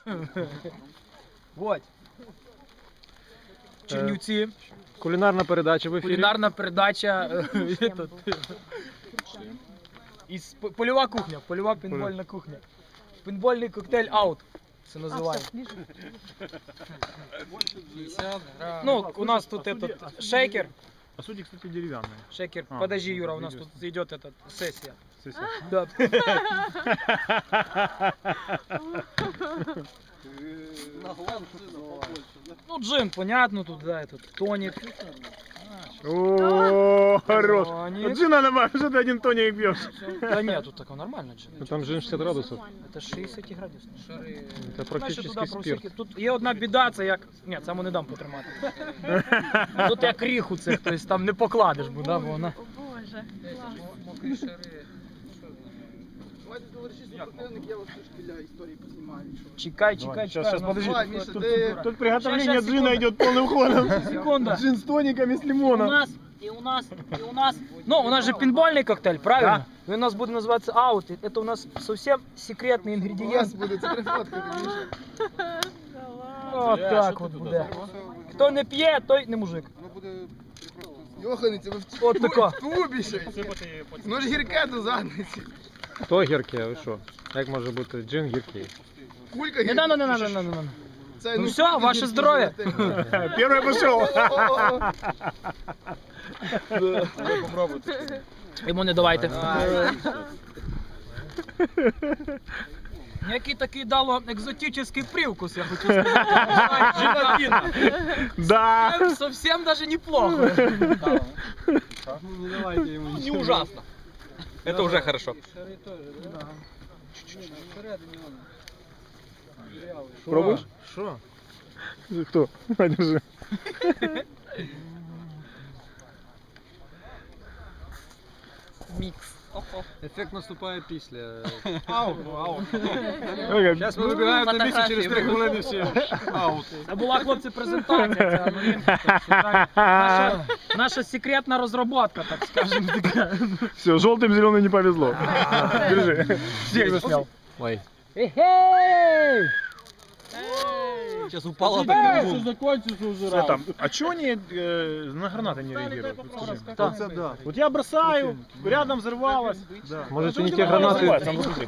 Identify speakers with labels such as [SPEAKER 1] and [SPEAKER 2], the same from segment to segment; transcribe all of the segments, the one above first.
[SPEAKER 1] Вот. Чернівці.
[SPEAKER 2] Кулінарна передача в ефірі.
[SPEAKER 1] Кулінарна передача. Польова кухня, польова пейнтбольна кухня. Пейнтбольний коктейль аут. Це називаємо. Ну, у нас тут этот шейкер.
[SPEAKER 2] А судьи, кстати, деревянные.
[SPEAKER 1] Шейкер. Подожди, Юра, у нас тут идет эта сессия.
[SPEAKER 2] Сессия.
[SPEAKER 1] Да. Ну, джин, понятно, тут, да, этот тоник.
[SPEAKER 2] О, хорош.
[SPEAKER 1] Тоник.
[SPEAKER 2] Джина добавь, что ты один тоник пьешь?
[SPEAKER 1] Да нет, тут такой нормально джин.
[SPEAKER 2] Ну, там джин 60 градусов.
[SPEAKER 1] Это 60 градусов.
[SPEAKER 2] Это практически спирт.
[SPEAKER 1] Тут є одна біда, це як... Ні, саму не дам потримати. Тут як ріху цих, тобто там не покладеш, бо вона...
[SPEAKER 3] О Боже,
[SPEAKER 4] Мокрі шари. Давайте товариші супротивник, я вас трошки для історії познімаю.
[SPEAKER 1] Чекай.
[SPEAKER 2] Сейчас, подожди.
[SPEAKER 4] Давай, Миша, ти...
[SPEAKER 2] Тут приготовление
[SPEAKER 1] Щас,
[SPEAKER 2] джина
[SPEAKER 1] секунду.
[SPEAKER 2] идет полным ходом.
[SPEAKER 1] Секунда.
[SPEAKER 2] Джин с тониками, с
[SPEAKER 1] І
[SPEAKER 2] лимоном.
[SPEAKER 1] у нас. Ну, у нас же пейнтбольний коктейль, правильно? І у нас буде називатися аут. Це у нас зовсім секретний
[SPEAKER 4] У вас
[SPEAKER 1] інгредієнт.
[SPEAKER 4] буде це прифоткати, Міша.
[SPEAKER 1] От так от буде. Хто не п'є, той не мужик.
[SPEAKER 4] Воно буде просто... Йоханиця, ви в
[SPEAKER 1] От тако.
[SPEAKER 4] тубі ще. Воно ж гірке до задниці.
[SPEAKER 2] Хто гірке, ви що? Як може бути джин гіркий?
[SPEAKER 4] Кулька
[SPEAKER 1] Не
[SPEAKER 4] гірка.
[SPEAKER 1] надо.
[SPEAKER 4] Це,
[SPEAKER 1] Ну все,
[SPEAKER 4] кулька
[SPEAKER 1] ваше
[SPEAKER 4] гіркі
[SPEAKER 1] здоров'я.
[SPEAKER 4] желатин.
[SPEAKER 2] Первый пошел.
[SPEAKER 1] Йому не давайте. Який такий дало екзотичний привкус, я хочу сказати. Желатина.
[SPEAKER 2] Да.
[SPEAKER 1] Совсем даже неплохо.
[SPEAKER 5] Не ужасно. Это уже хорошо.
[SPEAKER 2] Пробуешь?
[SPEAKER 1] Що?
[SPEAKER 2] Кто? Держи.
[SPEAKER 1] Мікс.
[SPEAKER 5] Ефект наступає після.
[SPEAKER 2] Сейчас
[SPEAKER 5] Ми вибігаємо на місце через 3 хвилини всі. Аут.
[SPEAKER 1] Це була, хлопці, презентація. Це новинка. Наша секретна розробка, так скажемо.
[SPEAKER 2] Все, желтым зеленым не повезло. Держи. Всех заснял.
[SPEAKER 5] Ой.
[SPEAKER 1] Эй!
[SPEAKER 5] Сейчас упало так.
[SPEAKER 2] Что там? А чего они на гранаты не реагируют? Вот скажи.
[SPEAKER 5] Да.
[SPEAKER 2] Вот я бросаю, рядом взорвалось. Может, это не те гранаты? Там, посмотри.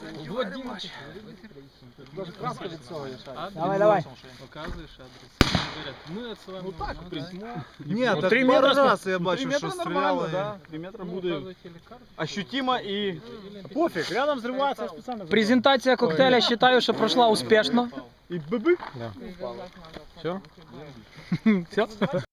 [SPEAKER 1] Давай.
[SPEAKER 5] Показуєш адрес. Говорять, ми відсилаємо. Ну так,
[SPEAKER 6] Нет,
[SPEAKER 2] Ну,
[SPEAKER 6] так
[SPEAKER 2] 3
[SPEAKER 6] пару
[SPEAKER 2] метра,
[SPEAKER 6] раз я
[SPEAKER 2] 3
[SPEAKER 6] бачив,
[SPEAKER 2] метра
[SPEAKER 6] що
[SPEAKER 2] нормально,
[SPEAKER 6] стріляли.
[SPEAKER 2] да. 3 метра буде
[SPEAKER 5] карту.
[SPEAKER 6] Ощутимо і...
[SPEAKER 2] пофиг, рядом взрывается, я специально взрываю.
[SPEAKER 1] Презентація коктейля, вважаю, що пройшла успішно.
[SPEAKER 2] И быбык.
[SPEAKER 1] Все?